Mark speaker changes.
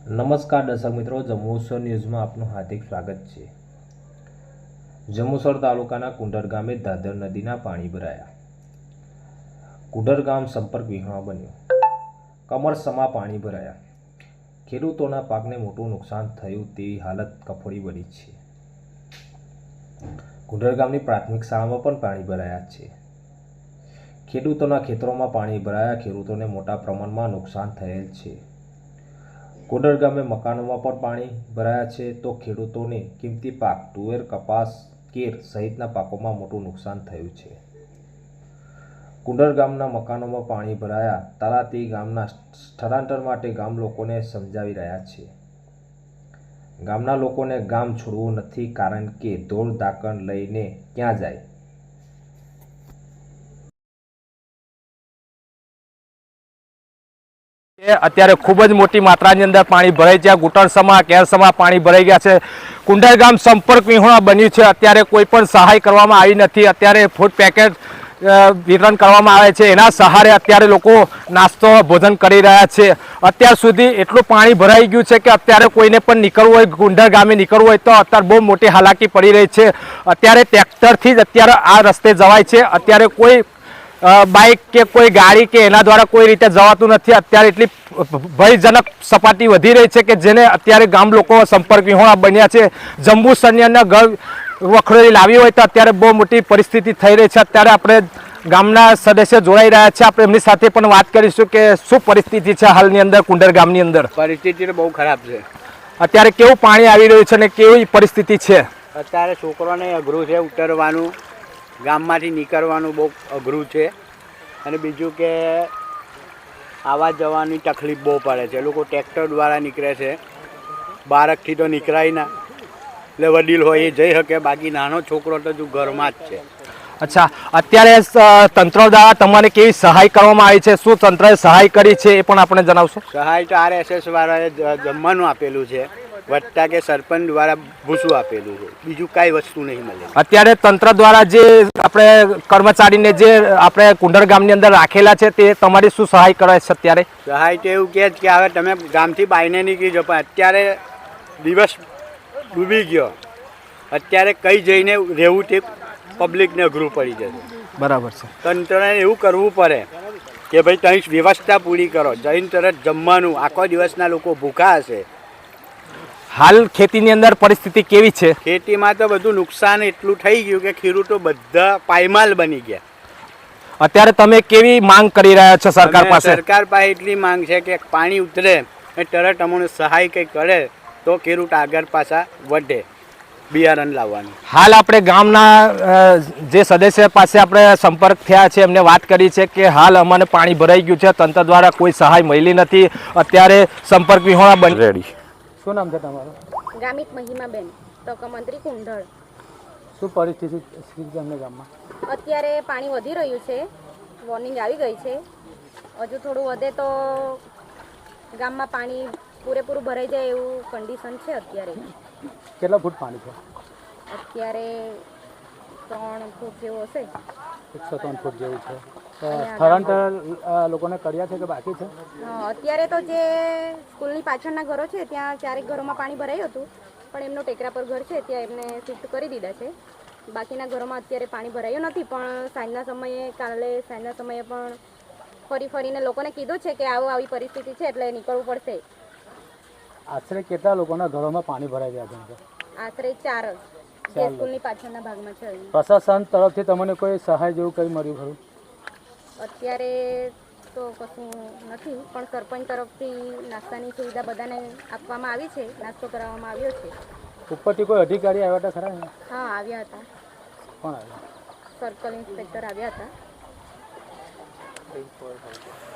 Speaker 1: નમસ્કાર દર્શક મિત્રો, જંબુસર ન્યૂઝમાં આપનું હાર્દિક સ્વાગત છે। જંબુસર તાલુકાના કુંડર ગામે દાદર નદીના પાણી ભરાયા। કુંડર ગામ સંપર્ક વિહોણા બન્યું। કમરસમા પાણી ભરાયા। ખેડૂતોના પાકને મોટું નુકસાન થયું તેવી હાલત કફોડી બની છે। કુંડર ગામની પ્રાથમિક શાળામાં પણ પાણી ભરાયા છે। ખેડૂતોના ખેતરોમાં પાણી ભરાયા। ખેડૂતોને મોટા પ્રમાણમાં નુકસાન થયેલ છે। કુંડર ગામે મકાનોમાં પણ પાણી ભરાયા છે તો ખેડૂતોને કિંમતી પાક તુવેર, કપાસ, કેર સહિતના પાકોમાં મોટું નુકસાન થયું છે। કુંડર ગામના મકાનોમાં પાણી ભરાયા। તલાટી ગામના સ્થળાંતર માટે ગામ લોકોને સમજાવી રહ્યા છે। ગામના લોકોને ગામ છોડવું નથી, કારણ કે ધોળ ધાકણ લઈને ક્યાં જાય।
Speaker 2: અત્યારે ખૂબ જ મોટી માત્રાની અંદર પાણી ભરાઈ ગયા। ઘૂંટણસમા, કેરસમા પાણી ભરાઈ ગયા છે। કુંડર ગામ સંપર્ક વિહોણા બન્યું છે। અત્યારે કોઈ પણ સહાય કરવામાં આવી નથી। અત્યારે ફૂડ પેકેટ વિતરણ કરવામાં આવે છે, એના સહારે અત્યારે લોકો નાસ્તો ભોજન કરી રહ્યા છે। અત્યાર સુધી એટલું પાણી ભરાઈ ગયું છે કે અત્યારે કોઈને પણ નીકળવું હોય, કુંડર ગામે નીકળવું હોય તો અત્યારે બહુ મોટી હાલાકી પડી રહી છે। અત્યારે ટ્રેક્ટરથી જ અત્યારે આ રસ્તે જવાય છે। અત્યારે કોઈ બાઇક કે કોઈ ગાડી કે એના દ્વારા કોઈ રીતે જવાતું નથી। અત્યારે એટલી ભયજનક સપાટી વધી રહી છે કે જેને અત્યારે ગામ લોકો સંપર્ક વિહોણા બન્યા છે। જંબુસરની અંદર ઘર વખોડી લાવી હોય તો અત્યારે બહુ મોટી પરિસ્થિતિ થઈ રહી છે। અત્યારે આપણે ગામના સદસ્ય જોડાઈ રહ્યા છે, આપણે એમની સાથે પણ વાત કરીશું કે શું પરિસ્થિતિ છે હાલની અંદર કુંડર ગામની અંદર।
Speaker 3: પરિસ્થિતિ તો બહુ ખરાબ છે।
Speaker 2: અત્યારે કેવું પાણી આવી રહ્યું છે અને કેવી પરિસ્થિતિ છે?
Speaker 3: અત્યારે છોકરોને અઘરું છે ઉતરવાનું, ગામમાંથી નીકળવાનું બહુ અઘરું છે। અને બીજું કે આવવા જવાની તકલીફ બહુ પડે છે। લોકો ટ્રેક્ટર દ્વારા નીકળે છે, બાળકથી તો નીકળાય ના, એટલે વડીલ હોય એ જઈ શકે, બાકી નાનો છોકરો તો હજુ ઘરમાં જ છે।
Speaker 2: અચ્છા, અત્યારે તંત્ર દ્વારા તમારે કેવી સહાય કરવામાં આવી છે? શું તંત્રએ સહાય કરી છે એ પણ આપણે જણાવશો?
Speaker 3: સહાય તો RSS વાળાએ જમવાનું આપેલું છે, વત્તા કે સરપંચ દ્વારા ભૂસું આપેલું છે, બીજું કાંઈ વસ્તુ નહીં મળે।
Speaker 2: અત્યારે તંત્ર દ્વારા જે આપણે કર્મચારીને જે આપણે કુંડર ગામની અંદર રાખેલા છે તે તમારી શું સહાય કરે છે અત્યારે?
Speaker 3: સહાય તો એવું કહે છે કે હવે તમે ગામથી બાયને નીકળી જાઓ, પણ અત્યારે દિવસ ડૂબી ગયો, અત્યારે કઈ જઈને રહેવું તે પબ્લિકને અઘરું પડી જશે।
Speaker 2: બરાબર છે।
Speaker 3: તંત્રને એવું કરવું પડે કે ભાઈ ત્યાં વ્યવસ્થા પૂરી કરો, જઈને તરત જમવાનું, આખો દિવસના લોકો ભૂખા હશે।
Speaker 2: હાલ ખેતીની અંદર પરિસ્થિતિ કેવી છે?
Speaker 3: ખેતીમાં તો બધું નુકસાન એટલું થઈ ગયું કે ખેડૂતો બધા પાયમાલ બની ગયા।
Speaker 2: અત્યારે તમે કેવી માંગ કરી રહ્યા છો સરકાર પાસે?
Speaker 3: સરકાર પાસે એટલી માંગ છે કે પાણી ઉતરે એ તરત અમને સહાય કંઈ કરે તો ખેડૂત આગળ પાછા વધે બિયારણ લાવવાનું।
Speaker 2: હાલ આપણે ગામના જે સદસ્ય પાસે આપણે સંપર્ક થયા છે, એમને વાત કરી છે કે હાલ અમને પાણી ભરાઈ ગયું છે, તંત્ર દ્વારા કોઈ સહાય મળી નથી। અત્યારે સંપર્ક વિહોણા બની રેડી। શું નામ છે તમારું?
Speaker 4: ગામિત મહિમાબેન, તક મંત્રી કુંડળ।
Speaker 2: શું પરિસ્થિતિ છે અમને ગામમાં?
Speaker 4: અત્યારે પાણી વધી રહ્યું છે, વોર્નિંગ આવી ગઈ છે। હજુ થોડું વધે તો ગામમાં પાણી પૂરેપૂરું ભરાઈ જાય એવું કન્ડિશન છે અત્યારે।
Speaker 2: કેટલા ફૂટ પાણી છે
Speaker 4: અત્યારે? 3 ફૂટ જેવું હશે।
Speaker 2: 103 ફૂટ જેવું છે। સ્થળાંતર લોકોને કર્યા છે કે બાકી છે?
Speaker 4: અત્યારે તો જે સ્કૂલની પાછળના ઘરો છે ત્યાં 4 ઘરોમાં પાણી ભરાયું હતું, પણ એમનો ટેકરા પર ઘર છે ત્યાં એમને શિફ્ટ કરી દીધા છે। બાકીના ઘરોમાં અત્યારે પાણી ભરાયું નથી, પણ સાંજના સમયે, કાલે સાંજના સમયે પણ ફરીને લોકોને કીધું છે કે આવી પરિસ્થિતિ છે એટલે નીકળવું પડશે।
Speaker 2: આશરે કેટલા લોકોના ઘરોમાં પાણી ભરાઈ ગયા છે?
Speaker 4: આશરે 4 જે સ્કૂલની પાછળના ભાગમાં છે।
Speaker 2: પ્રશાસન તરફથી તમને કોઈ સહાય જેવું કંઈ મળ્યું ખરું?
Speaker 4: અત્યારે તો કશું નથી, પણ સરપંચ તરફથી નાસ્તાની સુવિધા બધાને આપવામાં આવી છે, નાસ્તો કરાવવામાં આવ્યો છે।
Speaker 2: ઉપરથી કોઈ અધિકારી આવ્યા હતા ખરા?
Speaker 4: હા, આવ્યા હતા।
Speaker 2: કોણ આવ્યા?
Speaker 4: સર્કલ ઇન્સ્પેક્ટર આવ્યા હતા।